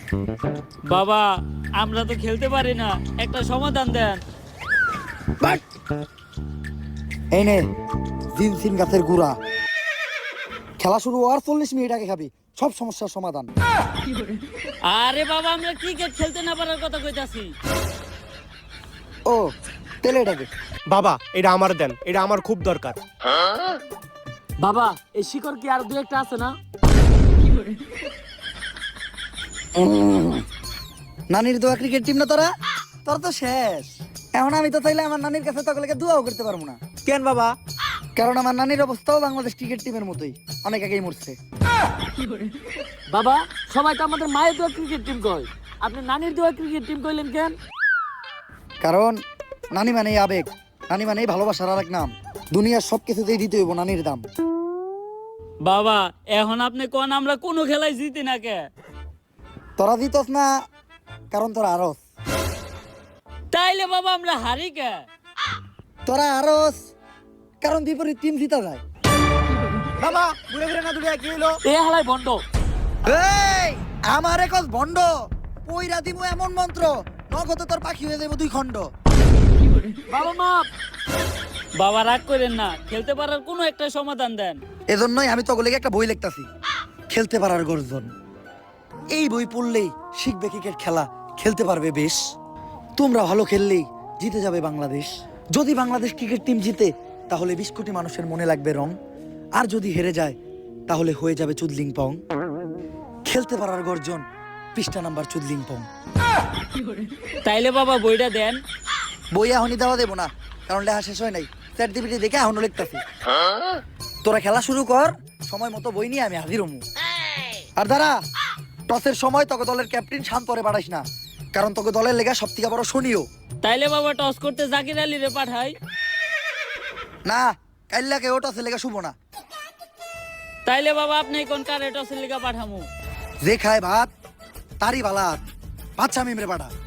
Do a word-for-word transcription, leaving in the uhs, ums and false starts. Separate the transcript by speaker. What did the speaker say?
Speaker 1: বাবা আমরা তো খেলতে পারি না, একটা সমাধান দেন।
Speaker 2: এই নে জিনসিন গাছের গুড়া, খেলা শুরু হওয়ার চল্লিশ মিনিট আগে খাবি, সব সমস্যার সমাধান।
Speaker 1: আরে বাবা আমরা ক্রিকেট খেলতে না পারার কথা কইতাছি।
Speaker 2: ও তেলে এটাকে
Speaker 3: বাবা এটা আমার দেন, এটা আমার খুব দরকার।
Speaker 1: বাবা এই শিকড় কি আর দুই একটা আছে না?
Speaker 2: নানির দোয়া ক্রিকেট টিম না তোরা, তোর তো শেষ। এখন আমি তো চাইলে আমার নানির কাছে তকলেকে দোয়াও করতে পারবো না।
Speaker 3: কেন বাবা?
Speaker 2: কারণ আমার নানির অবস্থাও বাংলাদেশ ক্রিকেট টিমের মতোই, অনেক আগেই মরছে।
Speaker 1: বাবা সবাই তো আমাদের মায়ের দোয়া ক্রিকেট টিম কয়, আপনি নানির দোয়া ক্রিকেট টিম কইলেন কেন?
Speaker 2: কারণ নানি মানেই আবেগ, নানি মানেই ভালোবাসার আর এক নাম। দুনিয়ার সব কিছুতেই দিতে হইব নানির দাম।
Speaker 1: বাবা এখন আপনি কোন আমরা কোনো খেলায় জিতি না কে?
Speaker 2: তোরা দিতস না কারণ তোরা আরস,
Speaker 1: তাইলে বাবা আমরা হারি কে?
Speaker 2: তোরা আরস কারণ বিপরীত টিম জিতা যায়।
Speaker 3: বাবা ঘুরে ফিরে না দুনিয়া কি হলো?
Speaker 1: এ হালাই বন্ধ।
Speaker 2: এই আমার একজ ভণ্ড, পইরা দিমু এমন মন্ত্র, নগদ তোর পাখি হয়ে যাবো দুই খণ্ড।
Speaker 1: বাবা মাপ। বাবা রাগ করেন না, খেলতে পারার কোনো একটা সমাধান দেন।
Speaker 2: এজন্যই আমি তো ওগুলোকে একটা বই লিখতাছি, খেলতে পারার গর্জন। এই বই পড়লেই শিখবে ক্রিকেট খেলা, খেলতে পারবে বেশ। তোমরা ভালো খেললেই জিতে যাবে বাংলাদেশ। যদি বাংলাদেশ ক্রিকেট টিম জিতে তাহলে বিশ কোটি মানুষের মনে লাগবে রং, আর যদি হেরে যায় তাহলে হয়ে যাবে চুদলিং পং। খেলতে পারার গর্জন, পৃষ্ঠা নাম্বার চুদলিং পং।
Speaker 1: তাইলে বাবা বইটা দেন।
Speaker 2: বই এখনই দেওয়া দেবো না, কারণ লেখা শেষ হয় নাই। চ্যাট জিপিটি দেখে এখনো লিখতাছি। তোরা খেলা শুরু কর, সময় মতো বই নিয়ে আমি হাজির হমু। আর দাঁড়া, টসের সময় তোকে দলের ক্যাপ্টেন শান্তরে পাঠাইস না, কারণ তোকে দলের লেগা সব থেকে বড় শনিও।
Speaker 1: তাইলে বাবা টস করতে জাকির আলী রে পাঠাই।
Speaker 2: না, কাইল্লাকে ও টসের লেগা শুভ না।
Speaker 1: তাইলে বাবা আপনি কোন কারে টসের লিগা পাঠামু?
Speaker 2: যে খায় ভাত তারই বালাত, বাচ্চা মিমরে পাঠা।